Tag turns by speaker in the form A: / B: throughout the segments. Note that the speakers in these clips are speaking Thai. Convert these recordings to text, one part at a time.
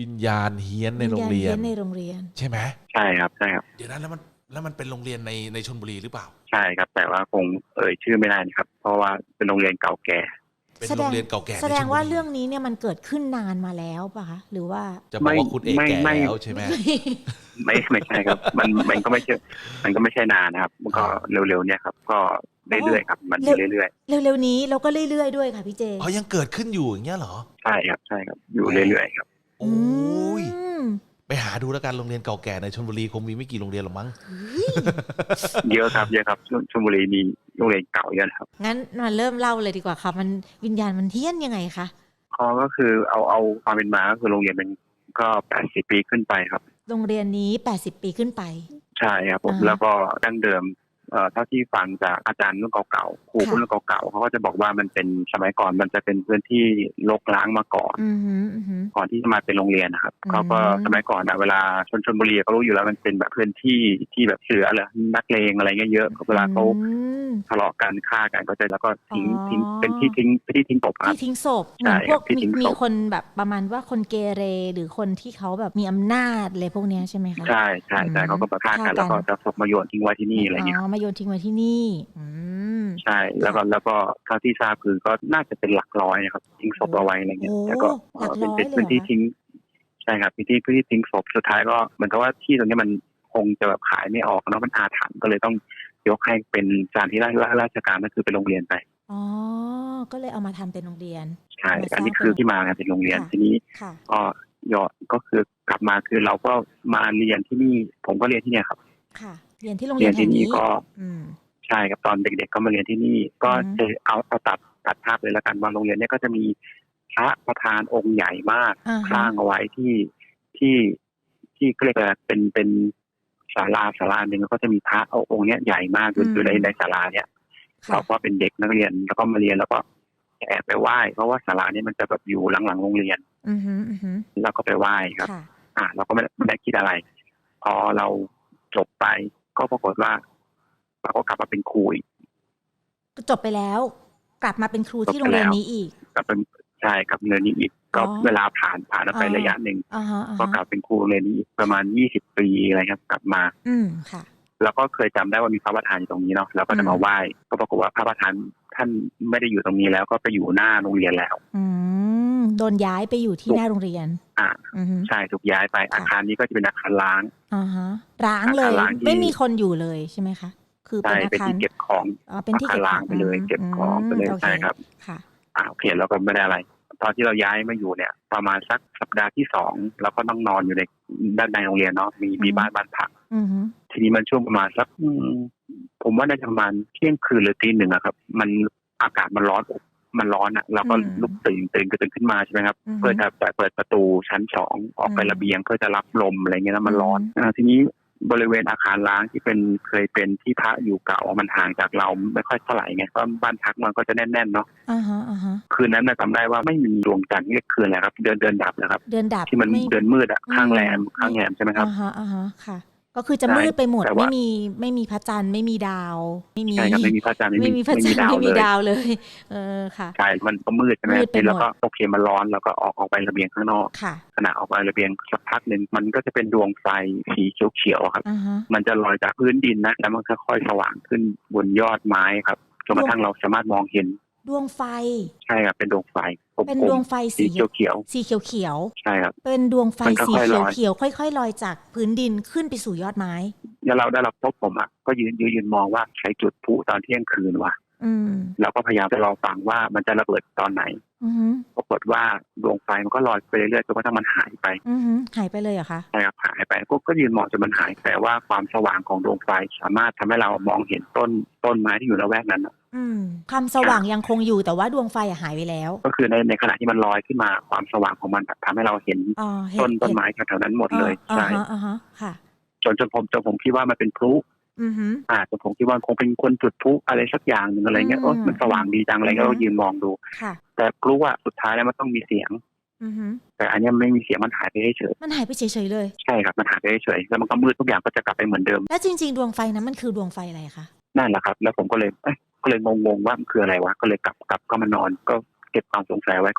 A: วิญญาณเฮี้ยนใน
B: วิญ
A: โรงเรีย
B: ญาณเฮี้
A: น
B: ยนในโรงเรียน
A: ใช่ไหม
C: ใช่ครับใช่ครับ
A: เดี๋ยวนั้นแล้วมันเป็นโรงเรียนในชลบุรีหรือเปล่า
C: ใช่ครับแต่ว่าคงชื่อไม่ได้นะครับเพราะว่าเป็นโรงเรียนเก่าแก่
A: เป็นโรงเรียนเก่าแก่
B: แสดงว่าเรื่อง
A: ในชลบุรี
B: นี้เนี่ยมันเกิดขึ้นนานมาแล้วป่ะคะหรือว่า
A: จะบอกว่าคุณเอกแก่แล้วใช่ไหม
C: ไม่ใช่ครับมันก็ไม่ใช่นานนะครับมันก็เร็วๆเนี่ยครับก็เรื่อยๆครับมันเรื่อย
B: ๆเร็วๆนี้เราก็เรื่อยๆด้วยค่ะพี่เจ
A: อ๋อยังเกิดขึ้นอยู่อย่างเงี้ยเหรอ
C: ใช่ครับอยู่เรื่อยๆครับ
A: โอ้ยไปหาดูแล้วกันโรงเรียนเก่าแก่ในชลบุรีคงมีไม่กี่โรงเรียนหรอกมั้ง
C: เยอะครับชลบุรีมีโรงเรียนเก่าเยอะครับ
B: งั้นมาเริ่มเล่าเลยดีกว่าค่ะมันวิญญาณมันเฮี้ยนยังไงคะ
C: ก็คือเอาความเป็นมาก็คือโรงเรียนมันก็80 ปีขึ้นไปครับ
B: โรงเรียนนี้80 ปีขึ้นไป
C: ใช่ครับผมแล้วก็ดั้งเดิมเท่าที่ฟังจากอาจารย์รุ่นเก่าๆครูรุ่นเก่าๆเขาก็จะบอกว่ามันเป็นสมัยก่อนมันจะเป็นพื้นที่รกร้างมาก่อนก่อนที่จะมาเป็นโรงเรียนนะครับเขาก็สมัยก่อนเวลาชลบุรีเขารู้อยู่แล้วมันเป็นแบบพื้นที่ที่แบบเสือเลยนักเลงอะไรเงี้ยเยอะเวลาเขาทะเลาะกันฆ่ากันก็จะแล้วก็ทิ้งเป็นที่ทิ้งศพครับ
B: ที่ทิ้งศพเหมือนพวกมีคนแบบประมาณว่าคนเกเรหรือคนที่เขาแบบมีอำนาจอะไรพวกนี้ใช่ไหมคะ
C: ใช่เขาก็ฆ่ากันแล้วก็จะศพมาโยนทิ้งไว้ที่นี่อะไรเงี้ย
B: มาโยนทิ้งไว้ที่นี่
C: ใช่แล้วก็เท่าที่ทราบคือก็น่าจะเป็นหลักร้อยนะครับทิ้งศพเอาไว้อะไรเงี้ยแต่ก็เป็นพื้นที่ทิ้งใช่ครับพื้นที่ทิ้งศพสุดท้ายก็เหมือนกับว่าที่ตรงนี้มันคงจะแบบขายไม่ออกเนาะมันอาถรรพ์ก็เลยต้องยกให้เป็นสถานที่ราชการก็คือเป็นโรงเรียนไป
B: อ๋อก็เลยเอามาทำเป็นโรงเรียน
C: ใช่อันนี้คือที่มาเป็นโรงเรียนทีนี้ก็คือกลับมาคือเราก็มาเรียนที่นี่ผมก็เรียนที่นี่ครับ
B: ค่ะเรียนที่โรงเรียนแห่งนี้
C: ก็ใช่ครับตอนเด็กๆก็มาเรียนที่นี่ก็จะเอาตัดภาพเลยแล้วกันว่าโรงเรียนนี้ก็จะมีพระประธานองค์ใหญ่มากสร้างเอาไว้ที่เรียกว่าเป็นศาลาหนึ่งก็จะมีพระองค์นี้ใหญ่มากอยู่ในศาลาเนี่ยเราก็เป็นเด็กนักเรียนแล้วก็มาเรียนแล้วก็แอบไปไหว้เพราะว่าศาลานี้มันจะแบบอยู่หลังโรงเรียนแล้วก็ไปไหว้ครับเราก็ไม่ได้คิดอะไรพอเราจบไปก็ปรากฏว่าเราก็กลับมาเป็นครูอีก
B: จบไปแล้วกลับมาเป็นครูที่โรงเรียนนี้อีก
C: กลับเป็นใช่กับเรียนนี้อีกก็เวลาผ่านไประยะหนึ่งก็กลับเป็นครูเรียนนี้ประมาณ20 ปีอะไรครับกลับมา
B: ค่ะ
C: แล้วก็เคยจำได้ว่ามีพระประธานอยู่ตรงนี้เนาะแล้วก็จะมาไหว้ก็ปรากฏว่าพระประธานท่านไม่ได้อยู่ตรงนี้แล้วก็ไปอยู่หน้าโรงเรียนแล้ว
B: โดนย้ายไปอยู่ที่หน้าโรงเรียน
C: ใช่ถูกย้ายไปอาคารนี้ก็จะเป็นอาคารล้าง
B: ร้างเลยไม่มีคนอยู่เลยใช่ไหมคะคือ
C: เป็นอาคารที่เก็บของ
B: เป็นที่เก็บ
C: ของไปเลยเก็บของไปเลยใช่ครับ
B: ค่ะ
C: โอเคแล้วก็ไม่ได้อะไรตอนที่เราย้ายมาอยู่เนี่ยประมาณสักสัปดาห์ที่2แล้วก็ต้องนอนอยู่ในด้านในโรงเรียนเนาะมีบ้านพักทีนี้มันช่วงประมาณสักผมว่าน่าจะประมาณเที่ยงคืนหรือตี 1อะครับมันอากาศมันร้อนอ่ะเราก็ลุกตื่นขึ้นมาใช่ไหมครับเพื่อจะเปิดประตูชั้น2ออกไประเบียงเพื่อจะรับลมอะไรเงี้ยแล้วมันร้อนทีนี้บริเวณอาคารล้างที่เคยเป็นที่พระอยู่เก่ามันห่างจากเราไม่ค่อยเท่าไหร่ไงเพราะบ้านพักมันก็จะแน่นๆเนาะคืนนั้นจำได้ว่าไม่มีดวงจันทร์เรียกคืนอะไรครับเดือนดับนะครับ
B: เดือนดับ
C: ที่มันเดือนมืดอะข้างแรมใช่ไหมครับ
B: ค่ะก็คือจะมืดไปหมดไม่มีพระจันทร์ไม่มีดาวไม่มี
C: พระจันทร์
B: ไม่มีพระจันทร์ไม่มีดาวเลยค่ะ
C: ใช่มันก็มืดใช่ไหมแล้วก็โอเคมันร้อนแล้วก็ออกไประเบียงข้างนอกขณะออกไประเบียงสักพักนึงมันก็จะเป็นดวงไฟสีเขียวๆครับมันจะลอยจากพื้นดินนะแล้วมันค่อยๆสว่างขึ้นบนยอดไม้ครับจนกระทั่งเราสามารถมองเห็น
B: ดวงไฟ
C: ใช่ครับเป็นดวงไฟ
B: เป็นดวงไฟสีเขียว
C: ใช่ครับ
B: เป็นดวงไฟสีเขียวค่อยๆลอยจากพื้นดินขึ้นไปสู่ยอดไม้
C: แล้วเราได้รับพบผมอ่ะก็ยืนมองว่าใช้จุดพลุตอนเที่ยงคืนว่ะแล้วก็พยายามจะรอฟังว่ามันจะระเบิดตอนไหนปรากฏว่าดวงไฟมันก็ลอยไปเรื่อยๆจนกระทั่งมันหายไป
B: หายไปเลยเหรอคะ
C: ใช่ครับหายไปก็ยืนมองจนมันหายแต่ว่าความสว่างของดวงไฟสามารถทำให้เรามองเห็นต้นไม้ที่อยู่ละแวกนั้น
B: ความสว่างยังคงอยู่แต่ว่าดวงไฟหายไปแล้ว
C: ก็คือในขณะที่มันลอยขึ้นมาความสว่างของมันทำให้เราเห็นต้นไม้แถวๆนั้นหมดเลยใช่
B: ค่ะ
C: จนผมคิดว่ามันเป็นพลุจนผมคิดว่าคงเป็นคนจุดพลุอะไรสักอย่างนึงอะไรเงี้ยมันสว่างดีจังอะไรก็ยืนมองดูแต่พลุอ่ะสุดท้ายแล้วมันต้องมีเสียงแต่อันนี้ไม่มีเสียงมันหายไปเฉย
B: มันหายไปเฉยเลย
C: ใช่ครับมันหายไปเฉยแล้วมันก็มืดทุกอย่างก็จะกลับไปเหมือนเดิม
B: แล้วจริงๆดวงไฟนั้นมันคือดวงไฟอะไรคะ
C: นั่นแหละครับแล้วผมก็เลยงงว่ามันคืออะไรวะก็เลยกลับก็มานอนก็เก็บความสงสัยไว้ก่อน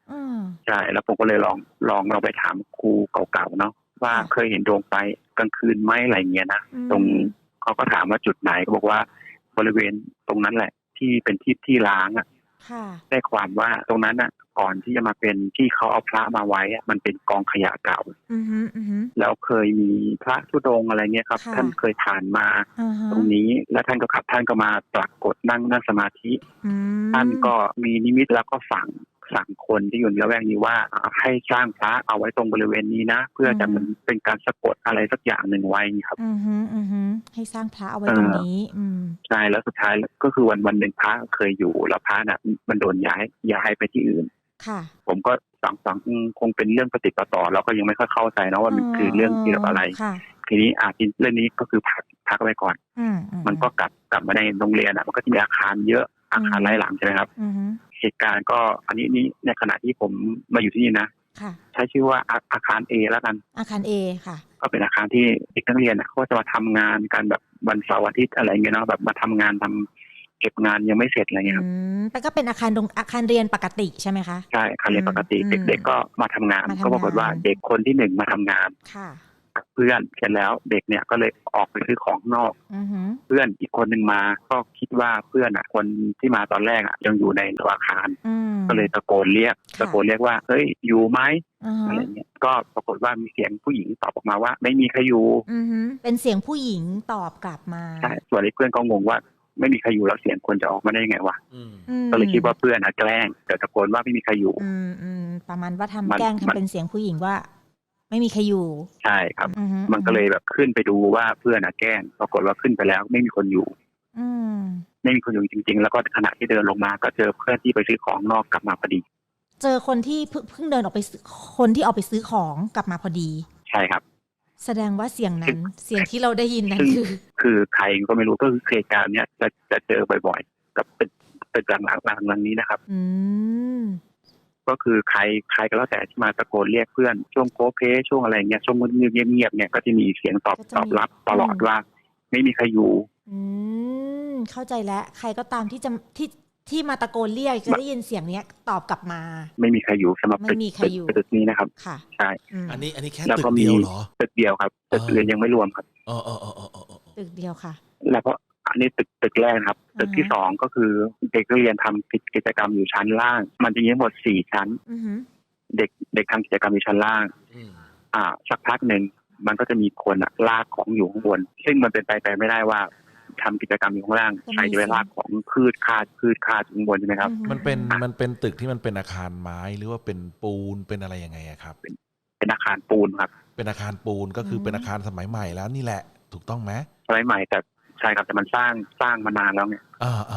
C: ใช่แล้วผมก็เลยลองเราไปถามครูเก่าๆเนาะว่าเคยเห็นดวงไฟกลางคืนไหมอะไรเงี้ยนะตรงเขาก็ถามว่าจุดไหนก็บอกว่าบริเวณตรงนั้นแหละที่เป็นที่ล้างอ่ะได้ความว่าตรงนั้นอ่ะก่อนที่จะมาเป็นที่เขาเอาพระมาไว้มันเป็นกองขยะเก่าแล้วเคยมีพระธุดงค์อะไรเงี้ยครับท่านเคยผ่านมาตรงนี้แล้วท่านก็มาปรากฏนั่งสมาธิท่านก็มีนิมิตแล้วก็สั่งคนที่อยู่ในละแวกนี้ว่าให้สร้างพระเอาไว้ตรงบริเวณนี้นะเพื่อจะมันเป็นการสะกดอะไรสักอย่างหนึ่งไว้ครับ
B: ให้สร้างพระเอาไว้ตรงนี้
C: ใช่แล้วสุดท้ายก็คือวันหนึ่งพระเคยอยู่แล้วพระน่ะมันโดนย้ายไปที่อื่นผมก็สั่งคงเป็นเรื่องปฏิปต่อเราก็ยังไม่ค่อยเข้าใจนะว่ามันคือเรื่องเกี่ยวกับอะไรทีนี้เรื่องนี้ก็คือพักไว้ก่อนมันก็กลับมาในโรงเรียนมันก็จะมีอาคารเยอะอาคารหลายหลังใช่ไหมครับเหตุการณ์ก็อันนี้ในขณะที่ผมมาอยู่ที่นี่นะใช้ชื่อว่าอาคาร A แล้วกัน
B: อาคาร A ค่ะ
C: ก็เป็นอาคารที่เด็กนักเรียนเขาจะมาทำงานกันแบบวันเสาร์อาทิตย์อะไรเงี้ยเนาะแบบมาทำงานทำเก็บงานยังไม่เสร็จอะไรเงี้ยครับ
B: แต่ก็เป็นอาคารเรียนปกติใช่ไหมคะ
C: ใช่อาคารเรียนปกติเด็กๆก็มาทำงานก็ปรากฏว่าเด็กคนที่1มาทำงานเพื่อนเสร็จแล้วเด็กเนี่ยก็เลยออกไปซื้อของนอกเพื่อนอีกคนหนึ่งมาก็คิดว่าเพื่อนคนที่มาตอนแรกยังอยู่ในอาคารก็เลยตะโกนเรียกว่าเฮ้ยอยู่ไหมอะไรเงี้ยก็ปรากฏว่ามีเสียงผู้หญิงตอบออกมาว่าไม่มีใครอยู่
B: เป็นเสียงผู้หญิงตอบกลับมา
C: ใช่ส่วนเพื่อนก็งงว่าไม่มีใครอยู่แล้วเสียงคนจะออกมาได้ยังไงวะก็เลยคิดว่าเพื่อนแกล้งแต่ตะโกนว่าไม่มีใครอยู่
B: ประมาณว่าทำแกล้งทำเป็นเสียงผู้หญิงว่าไม่มีใครอยู่
C: ใช่ครับมันก็เลยแบบขึ้นไปดูว่าเพื่อนแกล้งปรากฏว่าขึ้นไปแล้วไม่มีคนอยู่ไม่มีคนอยู่จริงๆแล้วก็ขณะที่เดินลงมาก็เจอเพื่อนที่ไปซื้อของนอกกลับมาพอดี
B: เจอคนที่เพิ่งเดินออกไปคนที่ออกไปซื้อของกลับมาพอดี
C: ใช่ครับ
B: แสดงว่าเสียงนั้นเสียงที่เราได้ยินนั้น
C: คือใครก็ไม่รู้ก็คือเหตุการณ์เนี้ยจะเจอบ่อยๆกับเป็นหลังนี้นะครับก็คือใครก็แล้วแต่ที่มาตะโกนเรียกเพื่อนช่วงโคเพช่วงอะไรเงี้ยช่วงเงียบเนี่ยก็จะมีเสียงตอบรับตลอดว่าไม่มีใครอยู่
B: เข้าใจแล้วใครก็ตามที่มาตะโกนเรียกจะได้ยินเสียงนี้ตอบกลับมา
C: ไม่มีใครอยู่สำหรับตึกนี้นะครับใช่
A: อันนี้แค่ตึกเดียวเหรอ
C: ตึกเดียวครับตึกอื่นยังไม่รวมครับ
B: ตึกเดียวค่ะ
C: แล้วก็อันนี้ตึกแรกครับตึกที่2ก็คือเด็กเรียนทำกิจกรรมอยู่ชั้นล่างมันจะมีทั้งหมด4ชั้นเด็กทำกิจกรรมอยู่ชั้นล่างสักพักหนึ่งมันก็จะมีคนลากของอยู่ข้างบนซึ่งมันเป็นไปไม่ได้ว่าทำกิจกรรมอยู่ข้างล่างใครจะไปลากของคืดคาดข้างบนใช่ไหมครับ
A: มันเป็นตึกที่มันเป็นอาคารไม้หรือว่าเป็นปูนเป็นอะไรยังไงครับ
C: เป็นอาคารปูนครับ
A: เป็นอาคารปูนก็คือเป็นอาคารสมัยใหม่แล้วนี่แหละถูกต้องไหม
C: สมัยใหม่แต่ใช่ครับแต่มันสร้างมานานแล้วเนี่ย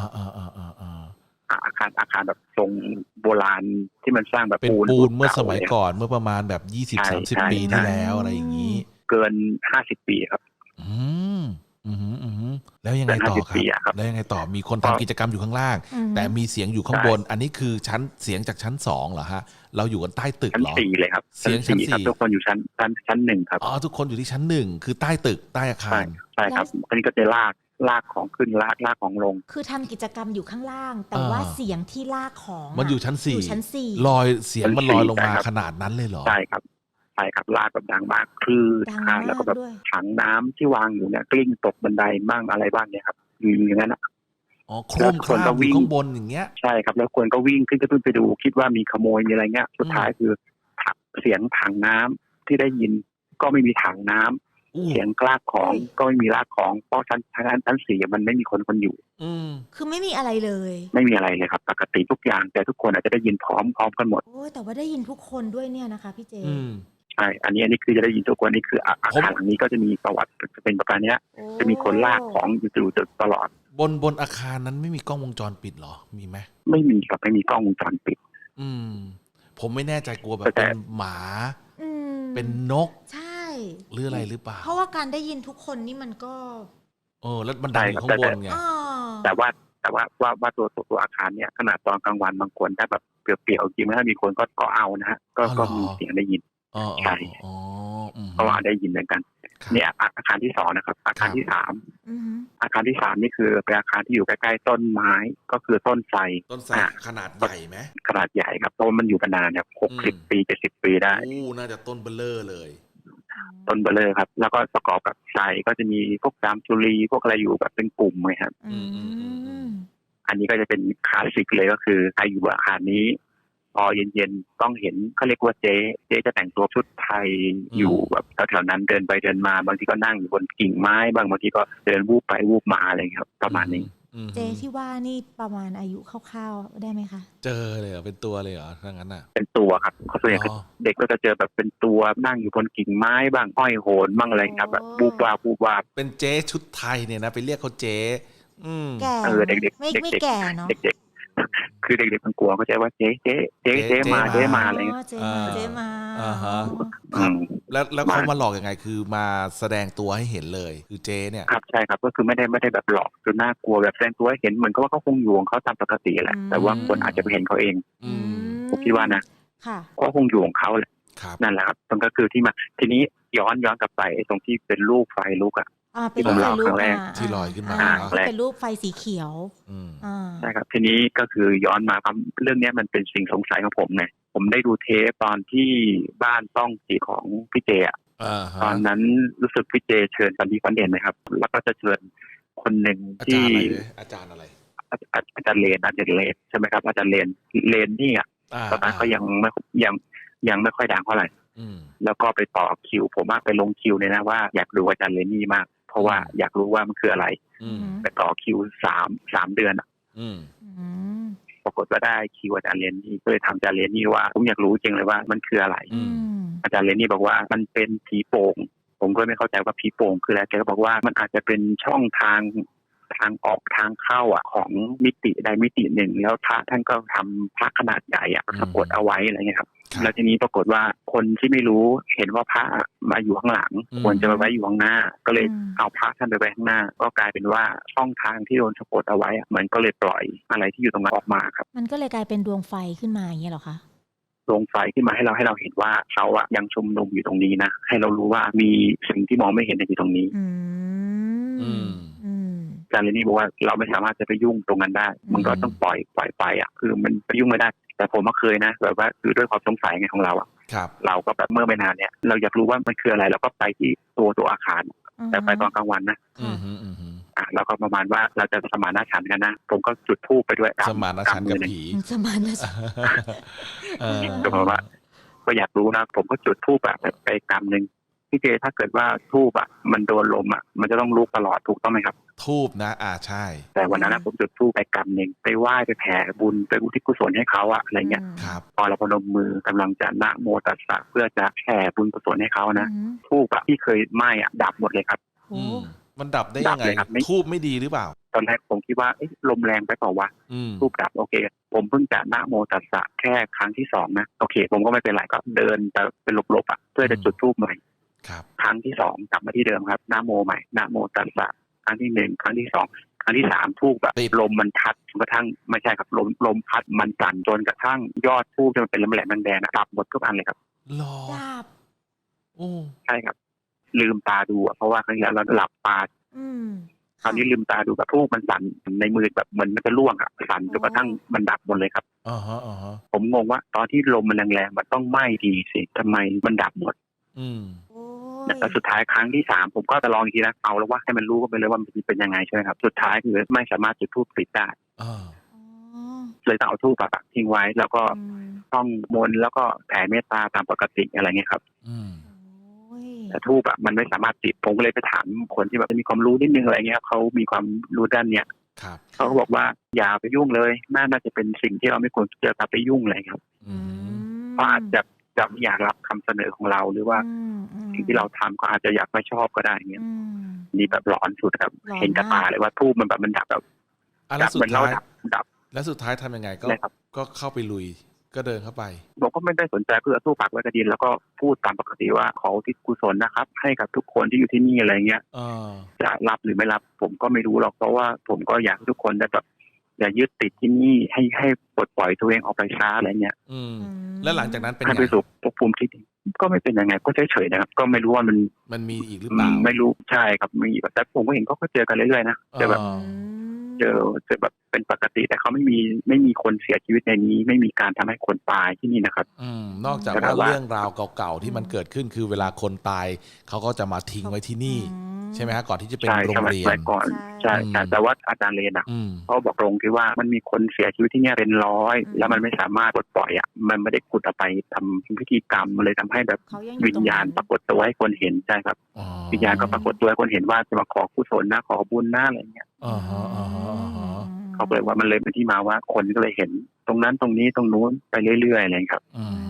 C: อาคารแบบทรงโบราณที่มันสร้างแบบ
A: เป็นปูนเมื่อสมัยก่อนเมื่อประมาณแบบ20-30 ปีที่แล้วอะไรอย่างนี้
C: เกิน50 ปีครับ
A: แล้วยังไงต่อครับแล้วยังไงต่อมีคนทำกิจกรรมอยู่ข้างล่างแต่มีเสียงอยู่ข้างบนอันนี้คือเสียงจากชั้น2เหรอฮะเราอยู่กันใต้ตึกเหรอ
C: ชั้น4เลยครับ
A: เสียงชั้น
C: 4ทุกคนอยู่ชั้น1ครับ
A: ทุกคนอยู่ที่ชั้น1คือใต้ตึกใต้อาคาร
C: ใช่ครับอันนี้ก็จะลากของขึ้นลากของลง
B: คือทำกิจกรรมอยู่ข้างล่างแต่ว่าเสียงที่ลากของ
A: มันอยู่ชั้น4ลอยเสียงมันลอยลงมาขนาดนั้นเลยเหรอ
C: ใช่ครับลากแบบดังมากคือแล้วก็แบบถังน้ำที่วางอยู่เนี่ยกลิ้งตกบันไดบ้างอะไรบ้างเนี่ยครับอย่างนั้น
A: แล้วคนก็วิ่งข้างบนอย่างเงี้ย
C: ใช่ครับแล้วคนก็วิ่งขึ้นไปดูคิดว่ามีขโมยมีอะไรเงี้ยสุดท้ายคือเสียงถังน้ำที่ได้ยินก็ไม่มีถังน้ำเสียงลากของก็ไม่มีลากของเพราะชั้น4มันไม่มีคนอยู่
B: คือไม่มีอะไรเลย
C: ไม่มีอะไรเลยครับปกติทุกอย่างแต่ทุกคนอาจจะได้ยินพร้อมกันหมด
B: โอ้แต่ว่าได้ยินทุกคนด้วยเนี่ยนะคะพี่เจ
C: ใช่อันนี้คือจะได้ยินทุกคนนี่คืออาคารหลังนี้ก็จะมีประวัติจะเป็นประการนี้จะมีคนลากของอยู่ตลอด
A: บนอาคารนั้นไม่มีกล้องวงจรปิดหรอมีไหม
C: ไม่มีครับไม่มีกล้องวงจรปิด
A: ผมไม่แน่ใจกลัวแบบเป็นหมาเป็นนก
B: ใช่
A: หรืออะไรหรือเปล่า
B: เพราะว่าการได้ยินทุกคนนี่มันก็
A: แล้วมันดังอยู่ข้างบนไง
C: แต่ว่าตัวอาคารเนี่ยขนาดตอนกลางวันบางคนถ้าแบบเปลี่ยวๆจริงๆถ้ามีคนก็เอานะฮะก็มีเสียงได้ยินใช่เพราะว่าได้ยินเหมือนกันนี่อาคารที่2นะครับอาคารที่3อาคารที่3นี่คือเป็นอาคารที่อยู่ใกล้ๆต้นไม้ก็คือต้นไทร
A: ขนาดใหญ่ไหม
C: ขนาดใหญ่ครับเพราะมันอยู่มานานเนี่ย60 ปี70 ปีได้
A: น่าจะต้นเบลเลอร์เลย
C: ต้นเบลเลอร์ครับแล้วก็ประกอบกับไทรก็จะมีพวกจามจุลีพวกอะไรอยู่แบบเป็นกลุ่มเลยครับอันนี้ก็จะเป็นคลาสสิกเลยก็คือใครอยู่อาคารนี้พอเย็นๆต้องเห็นเขาเรียกว่าเจ๊จะแต่งตัวชุดไทยอยู่แบบแถวๆนั้นเดินไปเดินมาบางทีก็นั่งอยู่บนกิ่งไม้บางทีก็เดินวูบไปวูบมาอะไรครับประมาณนี้
B: เจ๊ที่ว่านี่ประมาณอายุคร่าวๆได้ไหมคะ
A: เจอเลยเหรอเป็นตัวเลยเหรอถ้างั้นอ่ะ
C: เป็นตัวครับเขาส่วนใหญ่เด็กก็จะเจอแบบเป็นตัวนั่งอยู่บนกิ่งไม้บ้างห้อยโหนบ้างอะไรครับแบบวูบวาบ
A: เป็นเจ๊ชุดไทยเนี่ยนะไปเรียกเขาเจ๊
B: แก่
C: เด็ก
B: ไม่แก่เนาะ
C: เด็กคือเด็กๆมันกลัวเขาใจว่าเจ๊มาอะไรเงี้ย
B: เจ๊มา
A: แล้วเขามาหลอกยังไงคือมาแสดงตัวให้เห็นเลยคือเจ๊เนี่ย
C: ครับใช่ครับก็คือไม่ได้แบบหลอกจนน่ากลัวแบบแสดงตัวให้เห็นเหมือนกับว่าเขาคงอยู่ของเขาตามปกติแหละแต่ว่าคนอาจจะไปเห็นเขาเองผมคิดว่านะก็คงอยู่ของเขาแหละนั่นแหละครับมันก็คือที่มาทีนี้ย้อนกลับไปตรงที่เป็นลูกไฟลุก
B: ที่ผมเล่า
A: ครั้
B: ง
A: แรกที่ลอยขึ้นมา
B: เป็นรูปไฟสีเขียว
C: ใช่ครับทีนี้ก็คือย้อนมาครับเรื่องนี้มันเป็นสิ่งสงสัยของผมไงผมได้ดูเทปตอนที่บ้านต้องสีของพี่เจตอนนั้นรู้สึกพี่เจเชิญสันติฟันเด่นไหมครับแล้วก็จะเชิญคนหนึ่งที่
A: อาจารย์อะไร
C: อาจารย์เลนใช่ไหมครับอาจารย์เลนนี่ตอนนั้นก็ยังไม่ค่อยดังเท่าไหร่แล้วก็ไปต่อคิวผมไปลงคิวเนี่ยนะว่าอยากดูอาจารย์เลนนี่มากเพราะว่าอยากรู้ว่ามันคืออะไรไปต่อคิว3 เดือนปรากฏว่าได้คิวอาจารย์เลนนี่ก็เลยถามอาจารย์เลนนี่ว่าผมอยากรู้จริงเลยว่ามันคืออะไรอาจารย์เลนนี่บอกว่ามันเป็นผีโป่งผมก็ไม่เข้าใจว่าผีโป่งคืออะไรแกก็บอกว่ามันอาจจะเป็นช่องทางออกทางเข้าของมิติใดมิติหนึ่งแล้วพระท่านก็ทำพระขนาดใหญ่สะกดเอาไว้อะไรเงี้ยครับแล้วทีนี้ปรากฏว่าคนที่ไม่รู้เห็นว่าพระมาอยู่ข้างหลังควรจะไปไว้อยู่ข้างหน้าก็เลยเอาพระท่านไปไว้ข้างหน้าก็กลายเป็นว่าช่องทางที่โดนสะกดเอาไว้มันก็เลยปล่อยอะไรที่อยู่ตรงนั้นออกมาครับ
B: มันก็เลยกลายเป็นดวงไฟขึ้นมาอย่างเงี้ยหรอคะ
C: ดวงไฟขึ้นมาให้เราเห็นว่าเขายังชุมนุมอยู่ตรงนี้นะให้เรารู้ว่ามีสิ่งที่มองไม่เห็นอยู่ตรงนี้อาจารย์เรนนี่บอกว่าเราไม่สามารถจะไปยุ่งตรงนั้นได้มันก็ต้องปล่อยไปคือมันไปยุ่งไม่ได้แต่ผมก็เคยนะแบบว่าคือด้วยความสงสัยไงของเราเราก็แบบเมื่อไม่นานเนี่ยเราอยากรู้ว่ามันคืออะไรเราก็ไปที่ตัวอาคารแต่ไปตอนกลางวันนะเราก็ประมาณว่าเราจะสมานฉันท์กันนะผมก็จุดธูปไปด้วย
A: สมานฉันท์กับผี
B: สมานฉันท์
C: ก็เพราะว่าก็อยากรู้นะผมก็จุดธูปไปกำนึงพี่เจถ้าเกิดว่าธูปมันโดนลมมันจะต้องลุกตลอดถูกต้องไหมครับ
A: ธูปนะใช่
C: แต่วันนั้นผมจุดธูปไปกำนึงไปไหว้ไปแผ่บุญไปอุทิศกุศลให้เขาอะไรเงี้ยพอเราพนมมือกำลังจะนะโมตัสสะเพื่อจะแผ่บุญกุศลให้เขานะธูปที่เคยไหม้ดับหมดเลยครับ
A: มันดับได้ยังไงธูปไม่ดีหรือเปล่า
C: ตอนแรกผมคิดว่าลมแรงไปเปล่าวะธูปดับโอเคผมเพิ่งจะนะโมตัสสะแค่ครั้งที่2นะโอเคผมก็ไม่เป็นไรก็เดินไปเป็นหลบๆเพื่อจะจุดธูปใหม่ครั้งที่2กลับมาที่เดิมครับนะโมใหม่นะโมตัสสะครั้งที่1ครั้งที่2ครั้งที่3ธูปลมมันพัดจนกระทั่งไม่ใช่ครับลมพัดมันสั่นจนกระทั่งยอดธูปมันเป็นแหลมๆแดงๆดับหมดทุกอันเลยครับ
B: ดับ
C: ใช่ครับลืมตาดูเพราะว่าครั้งที่แล้วเราหลับตาคราวนี้ลืมตาดูแบบธูปมันสั่นในมือแบบเหมือนมันจะร่วงสั่นจนกระทั่งมันดับหมดเลยครับผมงงว่าตอนที่ลมมันแรงๆมันต้องไหม้ดีสิทำไมมันดับหมดแต่สุดท้ายครั้งที่3ผมก็จะลองอีกทีนะเอาแล้วว่าให้มันรู้ก็ไปเลยว่ามันเป็นยังไงใช่ไหมครับสุดท้ายคือไม่สามารถจุดธูปติดได้เลยต้องเอาธูปทิ้งไว้แล้วก็ต้องมนต์แล้วก็แผ่เมตตาตามปกติอะไรเงี้ยครับแต่ธูปมันไม่สามารถติดผมก็เลยไปถามคนที่แบบมีความรู้นิดนึงอะไรเงี้ยเขามีความรู้ด้านเนี้ยเขาก็บอกว่าอย่าไปยุ่งเลยน่าจะเป็นสิ่งที่เราไม่ควรจะไปยุ่งเลยครับเพราะอาจจะไม่อยากรับคำเสนอของเราหรือว่าสิ่งที่เราทำก็อาจจะอยากไม่ชอบก็ได้เงี้ยนี่แบบหลอนสุดครับเห็นกับตาเลยว่าธูปมันแบบมันดับแบบเหมือนเราดับ
A: แล้วสุดท้ายทำยังไงก็เข้าไปลุยก็เดินเข้าไป
C: ผมก็ไม่ได้สนใจเพื่อสู้ปากไว้กระดินแล้วก็พูดตามปกติว่าขออุทิศกุศลนะครับให้กับทุกคนที่อยู่ที่นี่อะไรเงี้ยจะรับหรือไม่รับผมก็ไม่รู้หรอกเพราะว่าผมก็อยากให้ทุกคนได้แบบอย่ายึดติดที่นี่ให้ปลดปล่อยตัวเองออกไปช้าอะไรเงี้ย
A: แล้วหลังจากนั้นเป็น
C: ให้ไปสู่ภพภูมิที่ดีก็ไม่เป็นยังไงก็เฉยๆนะครับก็ไม่รู้ว่า
A: มันมีอีกหรือเปล่า
C: ไม่รู้ใช่ครับมีแต่ผมก็เห็นเขาก็เจอกันเรื่อยๆนะเจอแบบเจอแบบเป็นปกติแต่เขาไม่มีคนเสียชีวิตในนี้ไม่มีการทำให้คนตายที่นี่นะครับ
A: นอกจากว่าเรื่องราวเก่าๆที่มันเกิดขึ้นคือเวลาคนตายเขาก็จะมาทิ้งไว้ที่นี่ใช่ไหมฮะก่อนที่จะเป็นโรงเรียน
C: ก่อนใช่แต่ว่าอาจารย์เลนเขาบอกตรงที่ว่ามันมีคนเสียชีวิตที่นี่เป็นร้อยแล้วมันไม่สามารถปลดปล่อยมันไม่ได้ขุดเอาไปทำพิธีกรรมเลยทำให้แบบวิญญาณปรากฏตัวให้คนเห็นใช่ครับวิญญาณก็ปรากฏตัวให้คนเห็นว่าจะมาขอกุศลนะขอบุญนะอะไรเงี้ยเขาเลยว่ามันเลยเป็นที่มาว่าคนก็เลยเห็นตรงนั้นตรงนี้ตรงนู้นไปเรื่อยๆอะไรครับ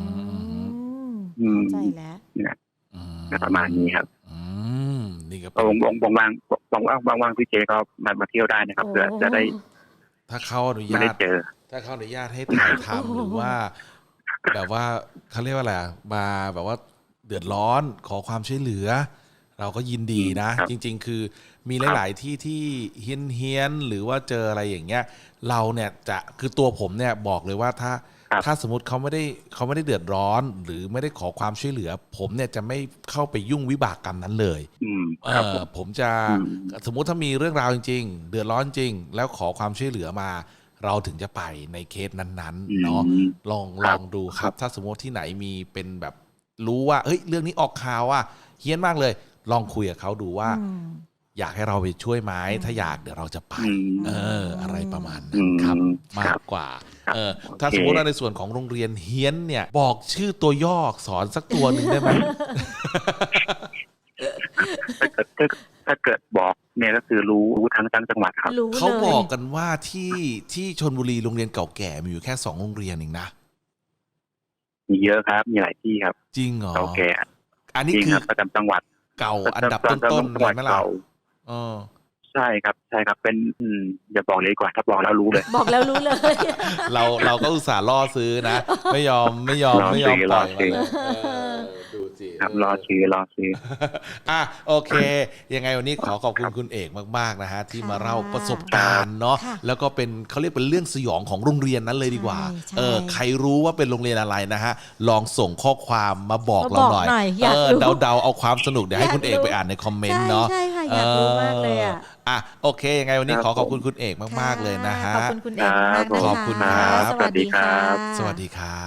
B: ใจแล้ว
C: เนี่ยประมาณนี้ครับ
A: นี่ครับ
C: ว่างพี่เจก็มาเที่ยวได้นะครับเพื่อจะได้
A: ถ้าเขาอนุญาตให้ถ่ายทำหรือว่าแบบว่าเขาเรียกว่าอะไรมาแบบว่าเดือดร้อนขอความช่วยเหลือเราก็ยินดีนะจริงๆคือมีหลายๆที่เฮี้ยนหรือว่าเจออะไรอย่างเงี้ยเราเนี่ยจะคือตัวผมเนี่ยบอกเลยว่าถ้าสมมติเขาไม่ได้เดือดร้อนหรือไม่ได้ขอความช่วยเหลือผมเนี่ยจะไม่เข้าไปยุ่งวิบากกรรมนั้นเลยผมจะสมมุติถ้ามีเรื่องราวจริงๆเดือดร้อนจริงแล้วขอความช่วยเหลือมาเราถึงจะไปในเคสนั้นๆเนาะลองดูครับถ้าสมมติที่ไหนมีเป็นแบบรู้ว่าเฮ้ยเรื่องนี้ออกข่าวว่าเฮี้ยนมากเลยลองคุยกับเขาดูว่าอยากให้เราไปช่วยไหมถ้าอยากเดี๋ยวเราจะไปอะไรประมาณนั้นครับมากกว่าถ้าสมมติว่าในส่วนของโรงเรียนเฮี้ยนเนี่ยบอกชื่อตัวย่อสอนสักตัวหนึ่งได้ไหม
C: ถ้าเกิดบอกเนี่ยก็คือรู้ทั้งจังหวัดครับ
A: เขาบอกกันว่าที่ชลบุรีโรงเรียนเก่าแก่มีอยู่แค่2โรงเรียนเองนะ
C: มีเยอะครับมีหลายที่ครับ
A: จริงเหรอ
C: เก่าแก่
A: อันนี้คือ
C: ประจำจังหวัด
A: เก่าอันดับต้นๆเลยไหมล่ะ
C: ใช่ครับเป็นอย่าบอกเลยดีกว่าถ้าบอกแล้วรู้เลย
B: บอกแล้วรู้เลย
A: เราก็อุตส่าห์ล่อซื้อนะไม่ยอมปล่อยดูสิ
C: ครับรอซื้อ
A: โอเคยังไงวันนี้ขอบคุณคุณเอกมากๆนะฮะที่มาเล่าประสบการณ์เนาะแล้วก็เป็นเขาเรียกเป็นเรื่องสยองของโรงเรียนนั้นเลยดีกว่าใครรู้ว่าเป็นโรงเรียนอะไรนะฮะลองส่งข้อความมาบอกเราหน่อยเดาเอาความสนุกเดี๋ยวให้คุณเอกไปอ่านในคอมเมนต์เนาะ
B: ใช่ค่ะอยากรู้มากเลย
A: โอเคยังไงวันนี้ขอบคุณคุณเอกมากๆเลยนะฮะ
B: ขอบคุณคุณเอกมาก
A: ขอบคุณครับ
B: สวัสดีครับ
A: สวัสดีครับ